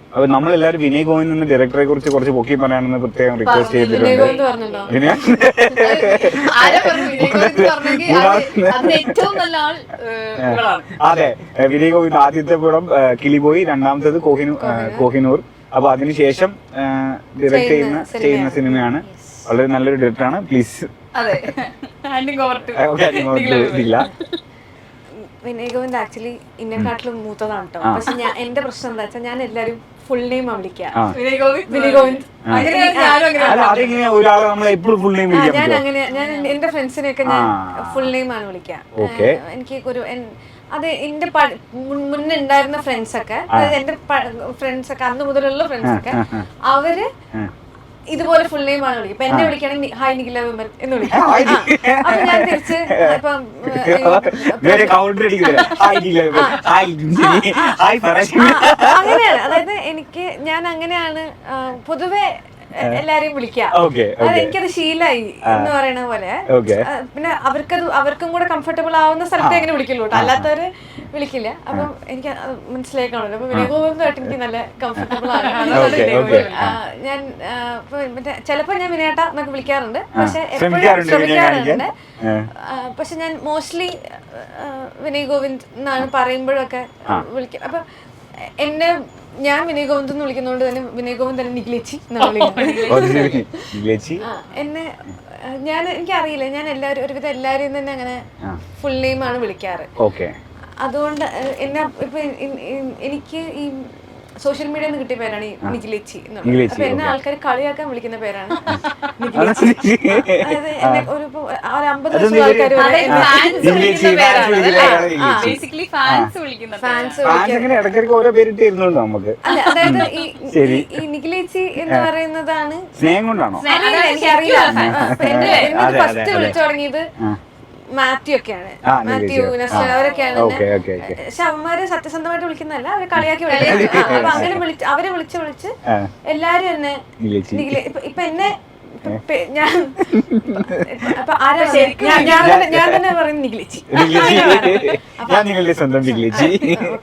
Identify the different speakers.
Speaker 1: അപ്പൊ നമ്മളെല്ലാരും വിനയ് ഗോവിന്ദ് ഡയറക്ടറെ കുറിച്ച് കുറച്ച് പൊക്കി പറയാനെന്ന് പ്രത്യേകം റിക്വസ്റ്റ് ചെയ്തിട്ടുണ്ട്. അതെ, വിനയ് ഗോവിന്ദ് ആദ്യത്തെ പടം കിളിബോയി, രണ്ടാമത്തേത് കോഹിനൂർ. അപ്പൊ അതിനുശേഷം ഡയറക്ട് ചെയ്യുന്ന സിനിമയാണ്. വളരെ നല്ലൊരു ഡയറക്ടറാണ്. പ്ലീസ്.
Speaker 2: വിനയ് ഗോവിന്ദ് ആക്ച്വലി ഇന്നെക്കാട്ടിലും മൂത്തതാണ് കേട്ടോ. പക്ഷെ എന്റെ പ്രശ്നം എന്താ വെച്ചാൽ ഞാൻ എല്ലാരും ഫുൾ നെയിം വിളിക്കാം. വിനയ് ഗോവിന്ദ്. ഞാൻ അങ്ങനെ എന്റെ ഫ്രണ്ട്സിനെയൊക്കെ ഞാൻ ഫുൾ നെയിം ആണ് വിളിക്കാം. എനിക്ക് ഒരു അത് എന്റെ മുന്നേ ഉണ്ടായിരുന്ന ഫ്രണ്ട്സ് ഒക്കെ, അതായത് എന്റെ ഫ്രണ്ട്സ് ഒക്കെ അന്ന് മുതലുള്ള ഫ്രണ്ട്സ് ഒക്കെ, അവര് ഇതുപോലെ ഫുൾ നെയിം ആണ് വിളിക്കും. ഇപ്പൊ എന്നെ വിളിക്കുകയാണെങ്കിൽ ഹായ് നിഖില വിമൽ എന്ന് വിളിക്കും. അപ്പൊ ഞാൻ തിരിച്ച് ഇപ്പം അങ്ങനെയാണ്. അതായത് ഞാൻ അങ്ങനെയാണ് പൊതുവെ എല്ലാരെയും വിളിക്കാം. അത് എനിക്കത് ശീലായി എന്ന് പറയണ പോലെ. പിന്നെ അവർക്കും കൂടെ കംഫർട്ടബിൾ ആവുന്ന സ്ഥലത്തെ എങ്ങനെ വിളിക്കുള്ളൂ കേട്ടോ, അല്ലാത്തവര് വിളിക്കില്ല. അപ്പം എനിക്ക് മനസ്സിലായി കാണുമല്ലോ. അപ്പൊ വിനയ് ഗോവിന്ദായിട്ട് എനിക്ക് നല്ല കംഫർട്ടബിൾ ആണ്. ഞാൻ മറ്റേ ചിലപ്പോ ഞാൻ വിനയേട്ട എന്നൊക്കെ വിളിക്കാറുണ്ട്, പക്ഷെ എപ്പോഴും ശ്രമിക്കാറുണ്ട്. പക്ഷെ ഞാൻ മോസ്റ്റ്ലി വിനയ് ഗോവിന്ദ് എന്നാണ് പറയുമ്പോഴൊക്കെ വിളിക്കുക. അപ്പൊ ഞാൻ വിനയ് ഗോവിന്ദ് എന്ന് വിളിക്കുന്നതുകൊണ്ട് തന്നെ വിനയ് ഗോവിന്ദ് തന്നെ നിഖിലേച്ചി എന്നെ എനിക്കറിയില്ല, ഞാൻ ഒരുവിധം എല്ലാവരെയും തന്നെ അങ്ങനെ ഫുൾ നെയിം ആണ് വിളിക്കാറ്. അതുകൊണ്ട് എനിക്ക് ഈ സോഷ്യൽ മീഡിയയിൽ നിന്ന് കിട്ടിയ പേരാണ് ഈ നിഖിലേച്ചി എന്നുള്ളത്. അപ്പൊ എന്നെ ആൾക്കാർ കളിയാക്കാൻ വിളിക്കുന്ന പേരാണ് നിഖിലേച്ചി. അതായത് എന്നെ ഒരു 50 ലക്ഷം ആൾക്കാർ അല്ല, അതായത് ഈ നിഖിലേച്ചി എന്ന് പറയുന്നതാണ്
Speaker 1: സ്നേഹം കൊണ്ടാണോ
Speaker 2: എനിക്കറിയില്ല. ഫസ്റ്റ് വിളിച്ചു തുടങ്ങിയത് മാത്യു ഒക്കെയാണ്, മാത്യു നസ്ല അവരൊക്കെയാണ്. പക്ഷെ അവന്മാര് സത്യസന്ധമായിട്ട് വിളിക്കുന്നതല്ല, അവര് കളിയാക്കി വിളിക്കുന്നത്. അപ്പൊ അങ്ങനെ അവരെ വിളിച്ച് എല്ലാരും എന്നെ ഇപ്പൊ എന്നെ ഞാൻ തന്നെ പറയും നിഖിലേച്ചി.
Speaker 1: ഞാൻ നിങ്ങളുടെ സ്വന്തം നിഖിലേച്ചി.